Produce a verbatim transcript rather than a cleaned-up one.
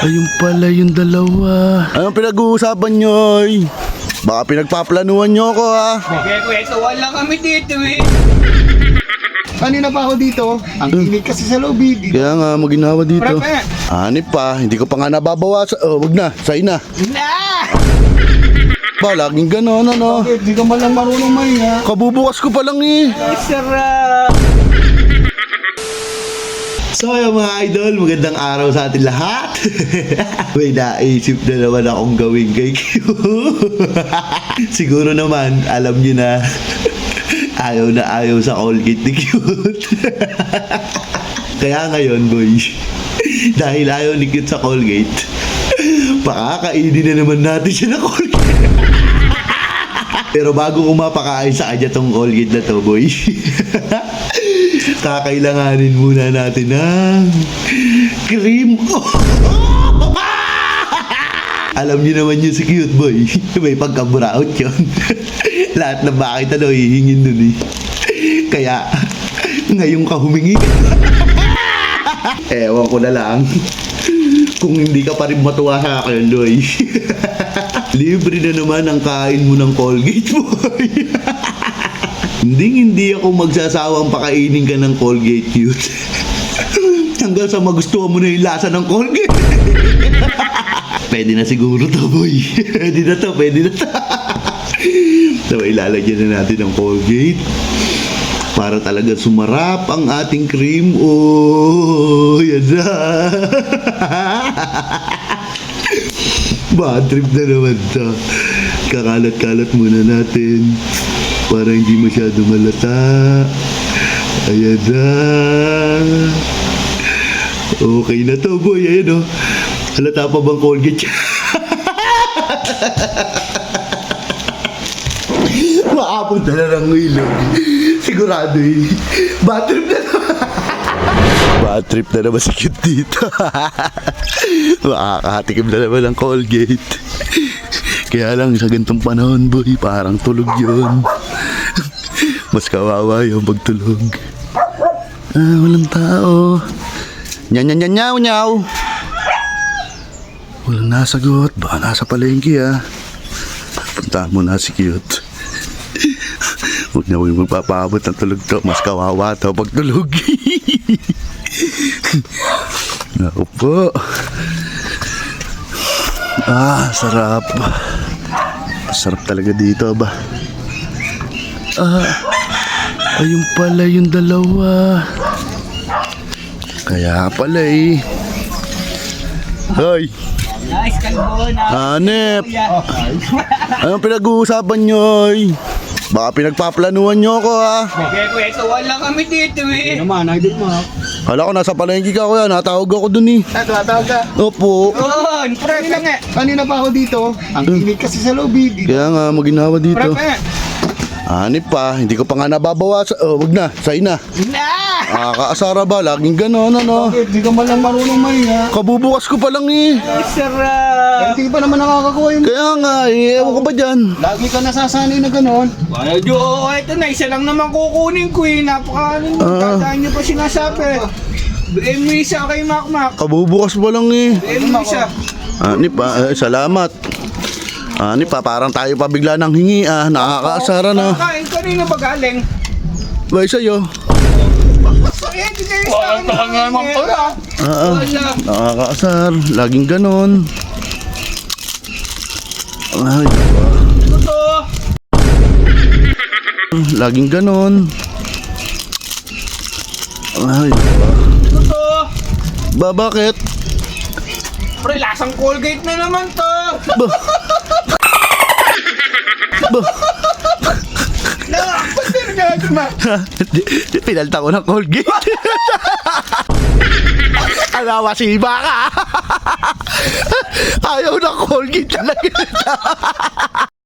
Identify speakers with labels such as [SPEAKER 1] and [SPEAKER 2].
[SPEAKER 1] Ayun pala yung dalawa. Anong pinag-uusapan nyo, oy? Baka pinagpaplanuhan nyo ako, ha?
[SPEAKER 2] Kaya-kwentuhan lang kami dito eh.
[SPEAKER 3] Kanina pa ako dito. Ang init kasi sa loob. eh.
[SPEAKER 1] Kaya nga, maginawa dito.
[SPEAKER 2] Pre,
[SPEAKER 1] Hanip pa, hindi ko pa nga nababawasan. Oh, wag na, say na.
[SPEAKER 2] na!
[SPEAKER 1] Ba, laging ganon, ano?
[SPEAKER 3] Bakit? Di ka man lang marunong mahinga.
[SPEAKER 1] Kabubukas ko pa lang eh.
[SPEAKER 2] Sarap!
[SPEAKER 1] So yung mga idol, magandang araw sa atin lahat. May naisip na naman akong gawin kay Q. Siguro naman, alam niyo na, ayaw na ayaw sa Colgate ni Cute. Kaya ngayon, boy, dahil ayaw ni Cute sa Colgate, pakakainin na naman natin siya na Colgate. Pero bago ko mapakain sa kanya tong Colgate na to, boy, kakailanganin muna natin ng cream. Alam niyo naman yun si Cute, boy. May pagka-brown yun. Lahat na bakit ano, hihingin dun eh. Kaya, ngayon ka humingi. Ewan ko na lang. Kung hindi ka pa rin matuwa sa akin, boy. Libre na naman ang kain mo ng Colgate, boy. Hindi hindi ako magsasawang pakainin ka ng Colgate, Cute. Hanggang sa magustuhan mo na yung lasa ng Colgate. Pwede na siguro to, boy. Pwede na to, pwede na to. So, ilalagyan na natin ng Colgate para talaga sumarap ang ating cream. Oh, yan na. Bad trip na naman to. Kakalat-kalat muna natin para hindi masyado malata. Ayan na. Okay na to, boy. Ayan o. Halata pa bang Colgate? Maapunta na ng ilog. Sigurado eh. Bad trip na naman. Bad trip na naman si Cute dito. Makakatikim na naman ng Colgate. Kaya lang sa ganitong panahon, boy, parang tulog yun. Mas kawawa yung pagtulog. Ah, walang tao. Nyaw, nyaw, nyaw, nyaw, nyaw. Walang nasagot. Baka nasa palengke, ah. Punta mo na si Cute. Huwag na huwag magpapabot ng tulog to. Mas kawawa to pagtulog. Naku po. Ah, sarap. Sarap talaga dito, ba? Ah, ayun pala yung dalawa. Kaya pala eh. Hoy!
[SPEAKER 2] Nice, kalbo na.
[SPEAKER 1] Hanep! Anong pinag-uusapan nyo, oy? Baka pinagpaplanuhan nyo ako, ha?
[SPEAKER 2] Kaya-kwentuhan lang kami dito eh.
[SPEAKER 3] Naman, idol mo.
[SPEAKER 1] Kala ko nasa palengke ka, kuya. Natawag ako dun eh.
[SPEAKER 3] Ah, tumatawag ka.
[SPEAKER 1] Opo.
[SPEAKER 2] Oo, pre, pre, nga.
[SPEAKER 3] Kanina pa ako dito. Ang init kasi sa loob. eh.
[SPEAKER 1] Kaya nga, maginawa
[SPEAKER 2] Pre,
[SPEAKER 1] dito.
[SPEAKER 2] pre.
[SPEAKER 1] Hanip pa, hindi ko pa nga nababawasan. Oh, wag na, say na.
[SPEAKER 2] Na!
[SPEAKER 1] Nakakaasara ba? Laging ganon, ano?
[SPEAKER 3] Bakit? Di ka man lang marunong mahinga.
[SPEAKER 1] Kabubukas ko pa lang eh.
[SPEAKER 2] Sarap!
[SPEAKER 3] Hindi pa naman nakakakuha yun.
[SPEAKER 1] Kaya nga, eh, ewan ko ba dyan?
[SPEAKER 3] Lagi ka nasasanay na ganon.
[SPEAKER 2] Wala, Oo, ito na, isa lang naman kukunin ko eh. Napaka, ano,
[SPEAKER 1] Ah.
[SPEAKER 2] tataan niyo pa sinasabi. Bigyan mo isa kay Makmak.
[SPEAKER 1] Kabubukas pa lang eh.
[SPEAKER 2] Bigyan mo isa.
[SPEAKER 1] Hanip pa, eh, salamat. Hanip pa, parang tayo pa bigla ng hingi ah. Nakakaasara na.
[SPEAKER 2] Kain kanina ba galing?
[SPEAKER 1] Bye sa'yo.
[SPEAKER 2] Eh, di kayo sa akin. Walang naman pala.
[SPEAKER 1] Ah, ah.
[SPEAKER 2] Wala.
[SPEAKER 1] Nakakaasar. Laging ganon. Ay, diba?
[SPEAKER 2] Totoo.
[SPEAKER 1] Laging ganon. Ay, diba?
[SPEAKER 2] Totoo.
[SPEAKER 1] Ba, bakit?
[SPEAKER 2] Pre, lasang Colgate na naman to.
[SPEAKER 1] Ba? Ba?
[SPEAKER 2] Nakakapasir ka, ma.
[SPEAKER 1] Pinalta ko ng Colgate. Alawa si iba ka. Ayaw ng Colgate talaga.